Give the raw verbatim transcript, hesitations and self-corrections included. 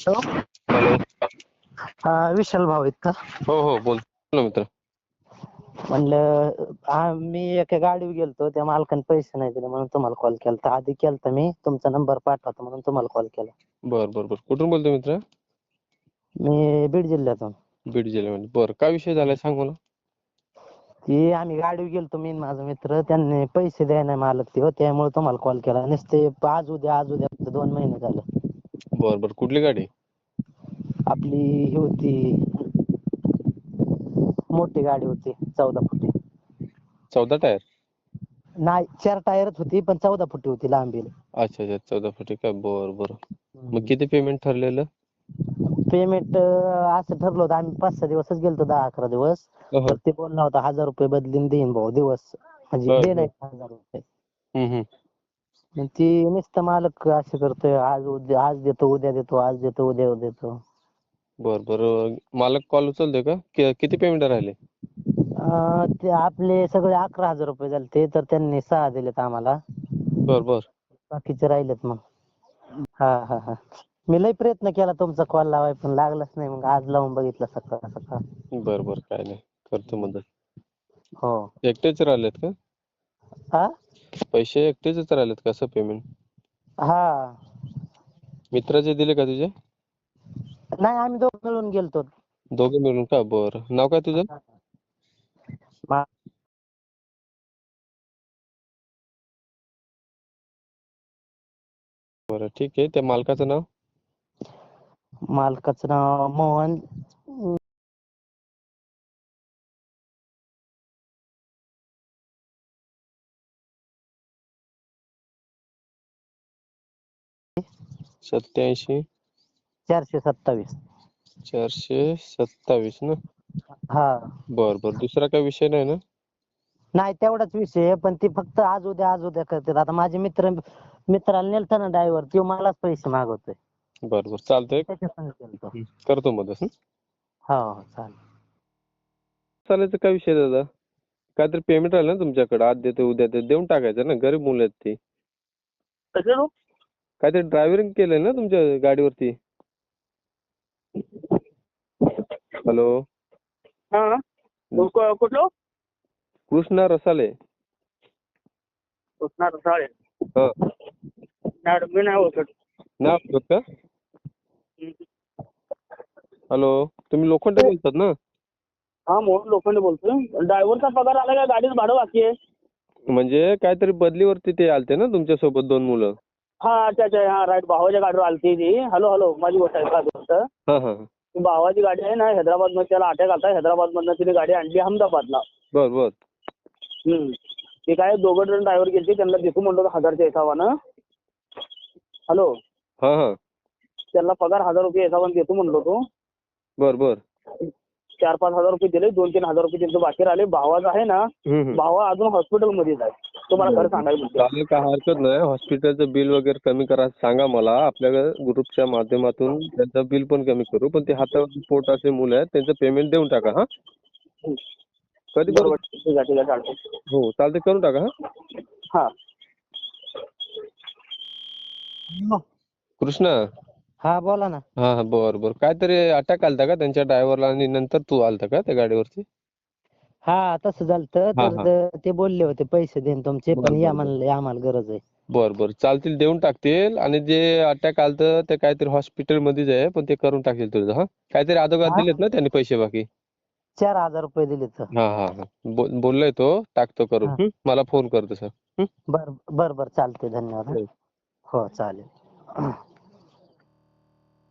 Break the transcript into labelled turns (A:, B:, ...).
A: Hello.
B: Hello.
A: हा, विशाल भाऊ आहेत का?
B: हो हो बोल ना मित्र.
A: म्हणलं हा मी एका गाडीवर गेलतो, त्या मालकाने पैसे नाही दिले म्हणून तुम्हाला कॉल केलता. आधी केलता मी, तुमचा नंबर पाठवतो म्हणून तुम्हाला कॉल केला.
B: बर बर बर कुठून बोलतोय मित्र?
A: मी बीड जिल्ह्यातून.
B: बीड जिल्ह्यामध्ये. बरं, काय विषय झालाय सांग मला.
A: ती आम्ही गाडीवर गेलतो, मी आणि माझा मित्र. त्यांनी पैसे द्याय नाही मालक ते, त्यामुळे तुम्हाला कॉल केला. नुसते आज उद्या आज उद्या दोन महिने झालं.
B: बर बर कुठली गाडी?
A: आपली ही होती, मोठी गाडी होती चौदा फुटी.
B: चौदा टायर?
A: नाही, चार टायरच होती पण चौदा फुटी होती लांबी.
B: अच्छा अच्छा, चौदा फुटी का? बर बर. मग किती पेमेंट ठरलेलं?
A: पेमेंट असं ठरलं होतं, आम्ही पाच सहा दिवसच गेलतो, दहा अकरा दिवस.
B: हो, हो.
A: तर ते बोलला होता हजार रुपये बदलीन देईन भाऊ दिवस, म्हणजे
B: बर
A: दे
B: बर.
A: नाही हजार रुपये.
B: हम्म हम्म.
A: मग ती नुसतं मालक असं करतोय, आज उद्या आज देतो उद्या देतो आज देतो उद्या देतो.
B: बर बर. मालक कॉल उचलतोय का? कि- किती पेमेंट राहिले?
A: अं, ते आपले सगळे अकरा हजार रुपये झाले तर त्यांनी सहा दिलेत आम्हाला.
B: बर बर.
A: बाकीचे राहिलेत मग. हा हा हा. मी लय प्रयत्न केला तुमचा कॉल लावाय, पण लागलाच नाही. मग आज लावून बघितला सकाळ सकाळ.
B: बर बर, काय नाही, करतो मदत.
A: हो.
B: एकटेच राहिलेत का?
A: हा.
B: पैसे एकटेच राहिलेत का? असं पेमेंट
A: हा.
B: मित्राचे दिले का तुझे?
A: नाही, आम्ही दोघं मिळून गेलतो.
B: दोघे मिळून का? बरं. नाव काय तुझं?
A: मा-
B: बरं ठीक आहे. त्या मालकाचं नाव?
A: मालकाचं नाव मोहन.
B: सत्याऐंशी
A: चारशे सत्तावीस.
B: चारशे सत्तावीस ना?
A: हा.
B: बर बर. दुसरा काही विषय नाही ना?
A: नाही, तेवढाच विषय आहे, पण ती फक्त आज उद्या आज उद्या करतात. आता माझे मित्र मित्राला नेलता ना ड्रायव्हर, तो मलाच पैसे मागवतोय.
B: बर बर, चालतंय.
A: त्याच्या संग गेलतो.
B: हं, करतो मदत. हं.
A: हो हो, चालेल.
B: चालायचं काय विषय दादा? काहीतरी पेमेंट राहिलं ना तुमच्याकडे, आज देतो उद्या देतो, देऊन टाकायचं ना. गरीब मुलं आहेत ती.
A: कसं?
B: काहीतरी ड्रायव्हरिंग केलंय ना तुमच्या गाडीवरती? हॅलो.
A: हा. कुठलं?
B: कृष्णा रसाले.
A: कृष्णा रसाळे.
B: हा.
A: मॅडम मी नाही ओळखत.
B: नाही ओळखत का? हॅलो. तुम्ही लोखंडे बोलतात ना?
A: हा, मोहन लोखंडे बोलतोय. ड्रायव्हरचा पगार आला का? गाडीचं भाडं बाकी आहे.
B: म्हणजे काहीतरी बदलीवरती ते आलते ना तुमच्यासोबत दोन मुलं?
A: हा, अच्छा अच्छा, हा राईट. भावाच्या गाडीवर आलती ती. हॅलो हॅलो, माझी गोष्ट आहे का गोष्ट?
B: हा हा.
A: भावाची गाडी आहे ना, हैदराबाद मध्ये त्याला अटॅक आलता. हैदराबाद मधनं तिने गाडी आणली अहमदाबादला.
B: बर बर.
A: हम्म. ते काय दोघं जण ड्रायव्हर गेले, त्यांना देतो म्हणलो हजारच्या हिसाबानं. हॅलो.
B: हा हा.
A: त्यांना पगार हजार रुपये हिसाबानं देतो म्हणलो तो.
B: बर बर.
A: चार पाच हजार रुपये दिले, दोन तीन हजार रुपये त्यांचं बाकी राहिले. भावाचा आहे ना,
B: हम्म, हम्म.
A: भावा अजून हॉस्पिटलमध्येच आहे. तुम्हाला खरं सांगायचं म्हणजे.
B: चालेल, काय हरकत नाही. हॉस्पिटलचं बिल वगैरे कमी करा सांगा मला. आपल्या ग्रुपच्या माध्यमातून त्यांचं बिल पण कमी करू. पण ते हातावर पोटाचे मुलं आहेत, त्यांचं पेमेंट देऊन टाका. हा. कधी करू?
A: बरोबर, ठीक आहे ठीक आहे, चालतंय.
B: हो चालते, करून टाका. हा.
A: हा.
B: कृष्णा.
A: हा, बोला ना.
B: हा हा, बर बर. काहीतरी अटॅक आलता का त्यांच्या ड्रायव्हरला आणि नंतर तू आलता का त्या गाडीवरती?
A: हा, तसं झालतं.
B: हा
A: तर
B: हा.
A: ते- ते बोलले होते पैसे देईन तुमचे,
B: बर
A: पण या
B: बर बर.
A: म्हणले आम्हाला गरज आहे.
B: बर बर, चालतील, देऊन टाकतील. आणि जे अटॅक आलतं ते काहीतरी हॉस्पिटल मध्येच आहे, पण ते करून टाकतील तुझं. हा. काहीतरी अगोदर
A: हा,
B: दिलेत ना त्यांनी पैसे बाकी?
A: चार हजार रुपये दिले तर.
B: हा हा हा. बो- बोललोय तो, टाकतो करून.
A: हा.
B: हं? मला फोन करतो सर. हं?
A: बर बर बर, चालते. धन्यवाद.
B: हो.
A: हो, चालेल.